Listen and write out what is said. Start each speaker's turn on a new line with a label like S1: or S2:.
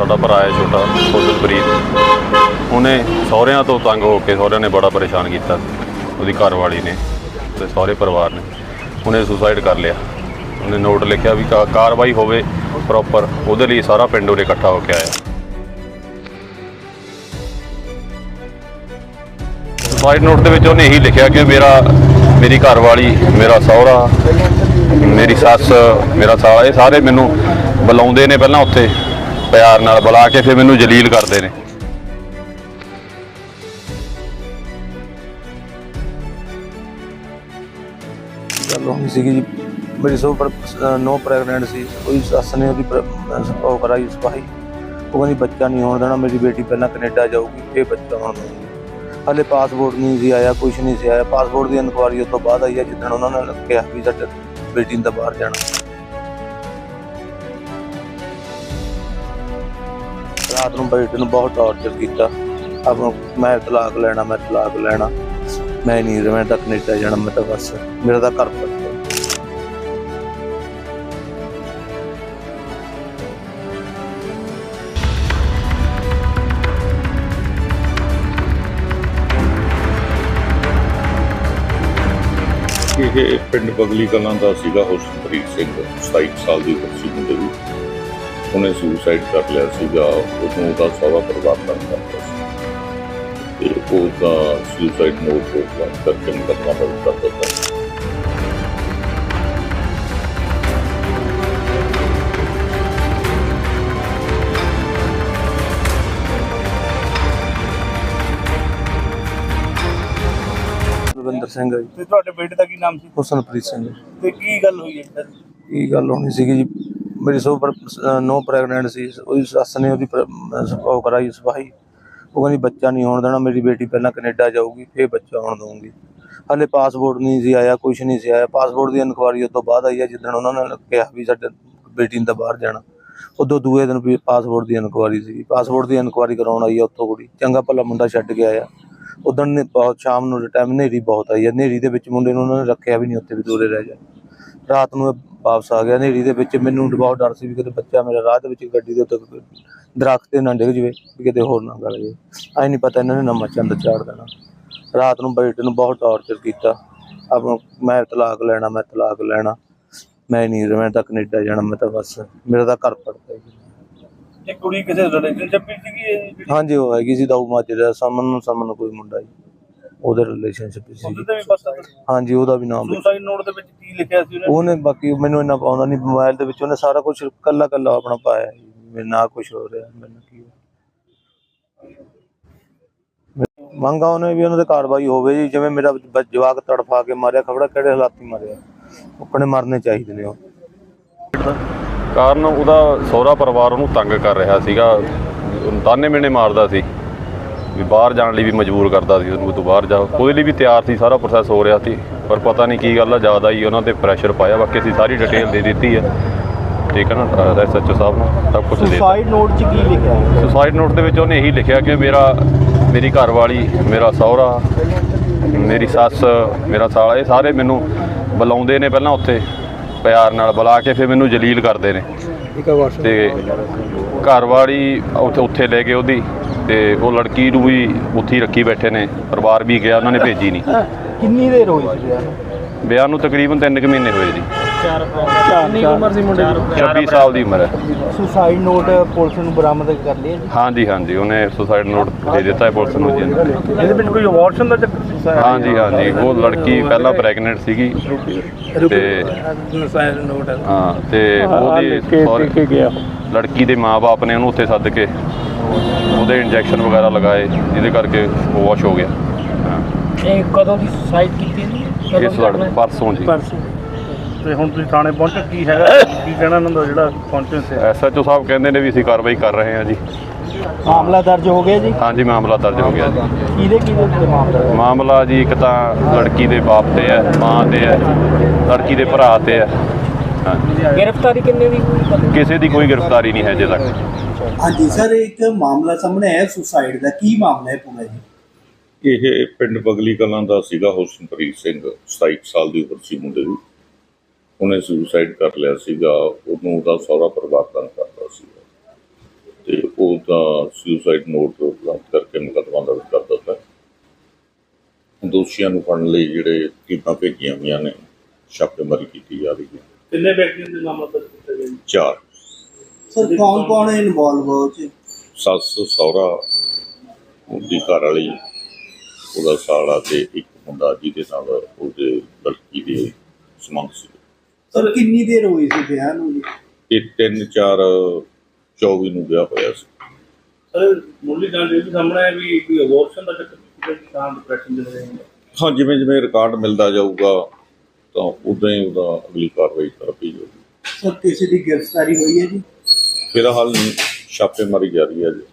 S1: ਸਾਡਾ ਭਰਾ ਹੈ ਛੋਟਾ ਫੁੱਲਪ੍ਰੀਤ, ਉਹਨੇ ਸਹੁਰਿਆਂ ਤੋਂ ਤੰਗ ਹੋ ਕੇ ਸਹੁਰਿਆਂ ਨੇ ਬੜਾ ਪਰੇਸ਼ਾਨ ਕੀਤਾ, ਉਹਦੀ ਘਰਵਾਲੀ ਨੇ ਤੇ ਸਹੁਰੇ ਪਰਿਵਾਰ ਨੇ। ਉਹਨੇ ਸੁਸਾਈਡ ਕਰ ਲਿਆ। ਉਹਨੇ ਨੋਟ ਲਿਖਿਆ ਵੀ ਕਾਰਵਾਈ ਹੋਵੇ ਪ੍ਰੋਪਰ, ਉਹਦੇ ਲਈ ਸਾਰਾ ਪਿੰਡ ਉਰੇ ਇਕੱਠਾ ਹੋ ਕੇ ਆਇਆ। ਸੁਸਾਈਡ ਨੋਟ ਦੇ ਵਿੱਚ ਉਹਨੇ ਇਹੀ ਲਿਖਿਆ ਕਿ ਮੇਰੀ ਘਰਵਾਲੀ, ਮੇਰਾ ਸਹੁਰਾ, ਮੇਰੀ ਸੱਸ, ਮੇਰਾ ਸਾਲਾ, ਇਹ ਸਾਰੇ ਮੈਨੂੰ ਬੁਲਾਉਂਦੇ ਨੇ, ਪਹਿਲਾਂ ਉੱਥੇ ਪਿਆਰ ਨਾਲ ਬੁਲਾ ਕੇ ਫਿਰ ਮੈਨੂੰ ਜਲੀਲ ਕਰਦੇ ਨੇ।
S2: ਗੱਲ ਹੋਣੀ ਸੀਗੀ ਜੀ, ਮੇਰੀ ਨੋ ਪ੍ਰੈਗਨੈਂਟ ਸੀ। ਉਹਦੀ ਸੱਸ ਨੇ ਉਹਦੀ ਉਹ ਕਰਾਈ ਸਫਾਈ। ਉਹ ਕਹਿੰਦੀ ਬੱਚਾ ਨਹੀਂ ਹੋਣ ਦੇਣਾ, ਮੇਰੀ ਬੇਟੀ ਪਹਿਲਾਂ ਕੈਨੇਡਾ ਜਾਊਗੀ ਫਿਰ ਬੱਚਾ ਹੋਣ ਦੇਊਗੀ। ਹਾਲੇ ਪਾਸਪੋਰਟ ਨਹੀਂ ਸੀ ਆਇਆ, ਕੁਛ ਨਹੀਂ ਸੀ ਆਇਆ। ਪਾਸਪੋਰਟ ਦੀ ਇਨਕੁਆਇਰੀ ਉਸ ਤੋਂ ਬਾਅਦ ਆਈ ਹੈ, ਜਿੱਦਣ ਉਹਨਾਂ ਨੇ ਕਿਹਾ ਵੀ ਸਾਡੀ ਬੇਟੀ ਨੇ ਤਾਂ ਬਾਹਰ ਜਾਣਾ। ਰਾਤ ਨੂੰ ਬੇਟੀ ਨੂੰ ਬਹੁਤ ਟਾਰਚਰ ਕੀਤਾ, ਮੈਂ ਤਲਾਕ ਲੈਣਾ, ਮੈਂ ਤਲਾਕ ਲੈਣਾ, ਮੈਂ ਨਹੀਂ ਰਹਿਣਾ, ਤਾਂ ਕੈਨੇਡਾ ਜਾਣਾ, ਮੈਂ ਤਾਂ ਬਸ ਮੇਰਾ ਤਾਂ ਘਰ ਪੱਟ।
S3: ਇਹ ਪਿੰਡ ਬਗਲੀ ਕਲਾਂ ਦਾ ਸੀਗਾ ਹੁਸਨਪ੍ਰੀਤ ਸਿੰਘ, 27 ਸਾਲ ਦੀ ਉਮਰ ਸੀ ਮੁੰਡੇ ਦੀ। ਉਹਨੇ ਸੁਸਾਈਡ ਕਰ ਲਿਆ ਸੀਗਾ। ਉਦੋਂ ਉਹਦਾ ਸਹੁਰਾ ਪਰਿਵਾਰ ਤੰਗ ਕਰਦਾ ਸੀ ਤੇ ਉਹਦਾ ਸੁਸਾਈਡ ਨੋਟ ਕਰਕੇ ਮੁਕੱਦਮਾ ਦਰਜ ਕਰ ਦਿੱਤਾ।
S2: ਰਵਿੰਦਰ ਸਿੰਘ ਜੀ।
S4: ਤੇ ਤੁਹਾਡੇ ਬੇਟੇ ਦਾ ਕੀ ਨਾਮ ਸੀ?
S2: ਹੁਸਨਪ੍ਰੀਤ ਸਿੰਘ।
S4: ਤੇ ਕੀ ਗੱਲ ਹੋਈ ਹੈ?
S2: ਕੀ ਗੱਲ ਹੋਣੀ ਸੀਗੀ ਜੀ, ਮੇਰੀ ਨੋ ਪ੍ਰੈਗਨੈਂਟ ਸੀ। ਉਹਦੀ ਸੱਸ ਨੇ ਉਹਦੀ ਉਹ ਕਰਾਈ ਸਫਾਈ। ਉਹ ਕਹਿੰਦੀ ਬੱਚਾ ਨਹੀਂ ਹੋਣ ਦੇਣਾ, ਮੇਰੀ ਬੇਟੀ ਪਹਿਲਾਂ ਕੈਨੇਡਾ ਜਾਊਗੀ ਫਿਰ ਬੱਚਾ ਹੋਣ ਦਊਂਗੀ। ਹਾਲੇ ਪਾਸਪੋਰਟ ਨਹੀਂ ਸੀ ਆਇਆ, ਕੁਛ ਨਹੀਂ ਸੀ ਆਇਆ। ਪਾਸਪੋਰਟ ਦੀ ਇਨਕੁਆਇਰੀ ਉਸ ਤੋਂ ਬਾਅਦ ਆਈ ਹੈ, ਜਿੱਦਣ ਉਹਨਾਂ ਨੇ ਕਿਹਾ ਵੀ ਸਾਡੀ ਬੇਟੀ ਨੇ ਤਾਂ ਬਾਹਰ ਜਾਣਾ। ਉਦੋਂ ਦੂਏ ਦਿਨ ਵੀ ਪਾਸਪੋਰਟ ਦੀ ਇਨਕੁਆਇਰੀ ਸੀ। ਪਾਸਪੋਰਟ ਦੀ ਇਨਕੁਆਇਰੀ ਕਰਾਉਣ ਆਈ ਹੈ ਉੱਥੋਂ ਕੁੜੀ, ਚੰਗਾ ਭਲਾ ਮੁੰਡਾ ਛੱਡ ਕੇ ਆਇਆ। ਉਦੋਂ ਨੇ ਬਹੁਤ ਸ਼ਾਮ ਨੂੰ ਟਾਈਮ ਹਨੇਰੀ ਬਹੁਤ ਆਈ ਹੈ। ਹਨੇਰੀ ਦੇ ਵਿੱਚ ਮੁੰਡੇ ਨੂੰ ਉਹਨਾਂ ਨੇ ਰੱਖਿਆ ਵੀ ਨਹੀਂ, ਉੱਥੇ ਵੀ ਦੂਰੇ ਰਹਿ ਜਾ। ਰਾਤ ਨੂੰ ਵਾਪਸ ਆ ਗਿਆ ਹਨੇਰੀ ਦੇ ਵਿੱਚ। ਮੈਨੂੰ ਬਹੁਤ ਡਰ ਸੀ ਵੀ ਕਿਤੇ ਬੱਚਾ ਮੇਰਾ ਰਾਹ ਦੇ ਵਿੱਚ ਗੱਡੀ ਦੇ ਉੱਤੇ ਦਰਖਤ ਤੇ ਨਾ ਡਿੱਗ ਜਾਵੇ, ਵੀ ਕਿਤੇ ਹੋਰ ਨਾ ਗਲ ਜਾਵੇ। ਐਂ ਨਹੀਂ ਪਤਾ ਇਹਨਾਂ ਨੇ ਨਵਾਂ ਚੰਦ ਚਾੜ ਦੇਣਾ। ਰਾਤ ਨੂੰ ਬੇਟੇ ਨੂੰ ਬਹੁਤ ਟਾਰਚਰ ਕੀਤਾ, ਮੈਂ ਤਲਾਕ ਲੈਣਾ, ਮੈਂ ਤਲਾਕ ਲੈਣਾ, ਮੈਂ ਨਹੀਂ ਰਹਿਣਾ, ਤਾਂ ਕੈਨੇਡਾ ਜਾਣਾ, ਮੈਂ ਤਾਂ ਬਸ ਮੇਰਾ ਤਾਂ ਘਰ ਪੜਦਾ।
S4: ਇਹ ਕੁੜੀ ਕਿਸੇ ਰਿਲੇਸ਼ਨਸ਼ਿਪ ਵਿੱਚ ਸੀਗੀ?
S2: ਹਾਂਜੀ, ਉਹ ਹੈਗੀ ਸੀ ਦਾਊ ਮਾਜਰੇ, ਸਮਨ ਕੋਈ ਮੁੰਡਾ ਜੀ, ਉਹਦੇ ਰਿਲੇਸ਼ਨਸ਼ਿਪ ਸੀ।
S4: ਉਹਦੇ ਤੇ ਵੀ ਪਤਾ?
S2: ਹਾਂਜੀ, ਉਹਦਾ ਵੀ ਨਾਮ।
S4: ਸੁਸਾਈਡ ਨੋਟ ਦੇ ਵਿੱਚ ਕੀ ਲਿਖਿਆ ਸੀ
S2: ਉਹਨੇ? ਬਾਕੀ ਮੈਨੂੰ ਇੰਨਾ ਪਾਉਂਦਾ ਨਹੀਂ। ਮੋਬਾਈਲ ਦੇ ਵਿੱਚ ਉਹਨੇ ਸਾਰਾ ਕੁਝ ਕੱਲਾ ਆਪਣਾ ਪਾਇਆ। ਮੇਰੇ ਨਾਲ ਕੁਛ ਹੋ ਰਿਹਾ, ਮੈਨੂੰ ਕੀ ਮੰਗਾ ਉਹਨੇ ਵੀ ਉਹਨਾਂ ਦੇ ਕਾਰਵਾਈ ਹੋਵੇ ਜੀ। ਜਿਵੇਂ ਮੇਰਾ ਜਵਾਕ ਤੜਫਾ ਕੇ ਮਾਰਿਆ, ਖਬੜਾ ਕਿਹੜੇ ਹਾਲਾਤੀ ਮਾਰਿਆ, ਆਪਣੇ ਮਰਨੇ ਚਾਹੀਦੇ ਨੇ। ਉਹ
S1: ਕਾਰਨ ਉਹਦਾ ਸਹੁਰਾ ਪਰਿਵਾਰ ਉਹਨੂੰ ਤੰਗ ਕਰ ਰਿਹਾ ਸੀਗਾ, ਤਾਨੇ ਮਿਹਣੇ ਮਾਰਦਾ ਸੀ ਵੀ ਬਾਹਰ ਜਾਣ ਲਈ ਵੀ ਮਜਬੂਰ ਕਰਦਾ ਸੀ ਉਹਨੂੰ, ਤੂੰ ਬਾਹਰ ਜਾ। ਉਹਦੇ ਲਈ ਵੀ ਤਿਆਰ ਸੀ, ਸਾਰਾ ਪ੍ਰੋਸੈਸ ਹੋ ਰਿਹਾ ਸੀ, ਪਰ ਪਤਾ ਨਹੀਂ ਕੀ ਗੱਲ ਆ, ਜ਼ਿਆਦਾ ਹੀ ਉਹਨਾਂ 'ਤੇ ਪ੍ਰੈਸ਼ਰ ਪਾਇਆ। ਬਾਕੀ ਅਸੀਂ ਸਾਰੀ ਡਿਟੇਲ ਦੇ ਦਿੱਤੀ ਹੈ, ਠੀਕ ਹੈ ਨਾ, SHO ਸਾਹਿਬ ਨੂੰ ਸਭ ਕੁਛ ਦੇ ਦਿੱਤਾ।
S4: ਸੁਸਾਈਡ ਨੋਟ 'ਚ ਕੀ ਲਿਖਿਆ?
S1: ਸੁਸਾਈਡ ਨੋਟ ਦੇ ਵਿੱਚ ਉਹਨੇ ਇਹੀ ਲਿਖਿਆ ਕਿ ਮੇਰੀ ਘਰਵਾਲੀ, ਮੇਰਾ ਸਹੁਰਾ, ਮੇਰੀ ਸੱਸ, ਮੇਰਾ ਸਾਲਾ, ਇਹ ਸਾਰੇ ਮੈਨੂੰ ਬੁਲਾਉਂਦੇ ਨੇ, ਪਹਿਲਾਂ ਉੱਥੇ ਪਿਆਰ ਨਾਲ ਬੁਲਾ ਕੇ ਫਿਰ ਮੈਨੂੰ ਜਲੀਲ ਕਰਦੇ ਨੇ। ਤੇ ਘਰਵਾਲੀ ਉੱਥੇ ਲੈ ਗਏ ਉਹਦੀ, ਤੇ ਉਹ ਲੜਕੀ ਨੂੰ ਵੀ ਉੱਥੇ ਹੀ ਰੱਖੀ ਬੈਠੇ ਨੇ। ਪਰਿਵਾਰ ਵੀ ਗਿਆ, ਉਹਨਾਂ ਨੇ ਭੇਜੀ ਨਹੀਂ।
S4: ਕਿੰਨੀ ਦੇਰ ਹੋਈ ਸੀ
S1: ਵਿਆਹ ਨੂੰ? ਤਕਰੀਬਨ 3 ਕੁ ਮਹੀਨੇ ਹੋਏ ਜੀ।
S4: ਕਿੰਨੀ ਉਮਰ ਸੀ ਮੁੰਡੇ ਦੀ?
S1: 26 ਸਾਲ ਦੀ ਉਮਰ ਹੈ।
S4: ਸੁਸਾਈਡ ਨੋਟ ਪੁਲਿਸ ਨੂੰ ਬਰਾਮਦ ਕਰ ਲਿਆ ਜੀ?
S1: ਹਾਂਜੀ, ਉਹਨੇ ਸੁਸਾਈਡ ਨੋਟ ਦੇ ਦਿੱਤਾ ਹੈ ਪੁਲਿਸ ਨੂੰ ਜੀ।
S4: ਇਹਦੇ ਵਿੱਚ ਕੋਈ ਅਬੋਰਸ਼ਨ ਦਾ ਚੱਕਰ ਸੀ?
S1: ਹਾਂਜੀ, ਉਹ ਲੜਕੀ ਪਹਿਲਾਂ ਪ੍ਰੈਗਨੈਂਟ ਸੀਗੀ ਤੇ ਹਾਂ, ਤੇ ਉਹਦੀ ਲੜਕੀ ਦੇ ਮਾਂ-ਬਾਪ ਨੇ ਉਹਨੂੰ ਉੱਥੇ ਸੱਦ ਕੇ ਉਹਦੇ ਇੰਜੈਕਸ਼ਨ ਵਗੈਰਾ ਲਗਾਏ, ਜਿਹਦੇ ਕਰਕੇ ਉਹ ਵਾਸ਼ ਹੋ ਗਿਆ।
S5: ਇਹ ਕਦੋਂ ਦੀ ਸੁਸਾਈਡ ਕੀਤੀ ਜੀ?
S1: ਇਸ ਪਰਸੋਂ ਜੀ।
S4: ਤੇ ਹੁਣ ਤੁਸੀਂ ਥਾਣੇ ਪਹੁੰਚੇ, ਕੀ ਹੈਗਾ, ਕੀ ਕਹਿਣਾ ਇਹਨਾਂ ਦਾ ਜਿਹੜਾ ਪਹੁੰਚੇ ਸੀ?
S1: SHO ਸਾਹਿਬ ਕਹਿੰਦੇ ਨੇ ਵੀ ਅਸੀਂ ਕਾਰਵਾਈ ਕਰ ਰਹੇ ਹਾਂ ਜੀ।
S5: ਮਾਮਲਾ ਦਰਜ ਹੋ ਗਿਆ ਜੀ?
S1: ਹਾਂਜੀ, ਮਾਮਲਾ ਦਰਜ ਹੋ ਗਿਆ ਜੀ।
S5: ਕਿਹਦੇ
S1: ਮਾਮਲਾ ਜੀ, ਇੱਕ ਤਾਂ ਲੜਕੀ ਦੇ ਬਾਪ ਤੇ ਹੈ, ਮਾਂ ਤੇ ਹੈ, ਲੜਕੀ ਦੇ ਭਰਾ ਤੇ ਹੈ। ਹਾਂਜੀ,
S5: ਗ੍ਰਿਫਤਾਰੀ ਕਿੰਨੇ ਦੀ?
S1: ਕਿਸੇ ਦੀ ਕੋਈ ਗ੍ਰਿਫਤਾਰੀ ਨਹੀਂ ਹੈ ਅਜੇ ਤੱਕ।
S6: ਹਾਂਜੀ ਸਰ, ਇੱਕ ਮਾਮਲਾ ਸਾਹਮਣੇ ਆਇਆ ਸੁਸਾਈਡ ਦਾ, ਕੀ ਮਾਮਲਾ ਹੈ ਪੂਰਾ ਜੀ?
S3: ਇਹ ਪਿੰਡ ਬਗਲੀ ਕਲਾਂ ਦਾ ਸੀਗਾ ਹੁਸਨਪ੍ਰੀਤ ਸਿੰਘ, 27 ਸਾਲ ਦੀ ਉਮਰ ਸੀ ਮੁੰਡੇ ਦੀ। ਉਹਨੇ ਸੁਸਾਈਡ ਕਰ ਲਿਆ ਸੀਗਾ। ਉਦੋਂ ਉਹਦਾ ਸਹੁਰਾ ਪਰਿਵਾਰ ਤੰਗ ਕਰਦਾ ਸੀ ਤੇ ਉਹਦਾ ਸੁਸਾਈਡ ਨੋਟ ਪ੍ਰਾਪਤ ਕਰਕੇ ਮੁਕੱਦਮਾ ਦਰਜ ਕਰ ਦਿੱਤਾ। ਦੋਸ਼ੀਆਂ ਨੂੰ ਫੜਨ ਲਈ ਜਿਹੜੇ ਟੀਮਾਂ ਭੇਜੀਆਂ ਹੋਈਆਂ ਨੇ, ਛਾਪੇਮਾਰੀ ਕੀਤੀ ਜਾ ਰਹੀ ਹੈ।
S4: ਕਿੰਨੇ ਵਿਅਕਤੀਆਂ ਦੇ ਨਾਮ ਦਰਜ ਕੀਤੇ ਗਏ ਜੀ?
S3: 4
S6: ਸਰ ਕੌਣ ਕੌਣ ਇਨਵੋਲਵ ਹੋ ਚ?
S3: ਸੱਸ ਸਹੁਰਾ, ਉਹਦੀ ਘਰ ਵਾਲੀ, ਉਹਦਾ ਸਾਲਾ ਤੇ ਇੱਕ ਮੁੰਡਾ ਜਿਹਦੇ ਨਾਲ ਉਹਦੇ ਲੜਕੀ ਦੇ ਸੰਬੰਧ ਸੀ।
S6: ਸਰ ਕਿੰਨੀ ਦੇਰ ਹੋਈ ਸੀ ਵਿਆਹ ਨੂੰ ਜੀ?
S3: ਇਹ 3/4/24 ਨੂੰ ਵਿਆਹ ਹੋਇਆ ਸੀ।
S4: ਸਰ ਮੁੱਢਲੀ ਜਾਣਕਾਰੀ ਵੀ ਸਾਹਮਣੇ ਹੈ ਵੀ ਕੋਈ ਅਬੋਰਸ਼ਨ ਦਾ ਚੱਕਰ ਕਿਸੇ ਤਾਂ ਡਿਪਰੈਸ਼ਨ ਦੇ ਰਹੇ ਨੇ।
S3: ਹਾਂ, ਜਿਵੇਂ ਜਿਵੇਂ ਰਿਕਾਰਡ ਮਿਲਦਾ ਜਾਊਗਾ ਤਾਂ ਉਦਾਂ ਹੀ ਉਹਦਾ ਅਗਲੀ ਕਾਰਵਾਈ ਕਰਦੀ ਜਾਊਗੀ।
S6: ਸਰ ਕਿਸੇ ਦੀ ਗ੍ਰਿਫਤਾਰੀ ਹੋਈ ਹੈ ਜੀ?
S3: ਫਿਲਹਾਲ ਨਹੀਂ, ਛਾਪੇਮਾਰੀ ਜਾਰੀ ਹੈ ਜੀ।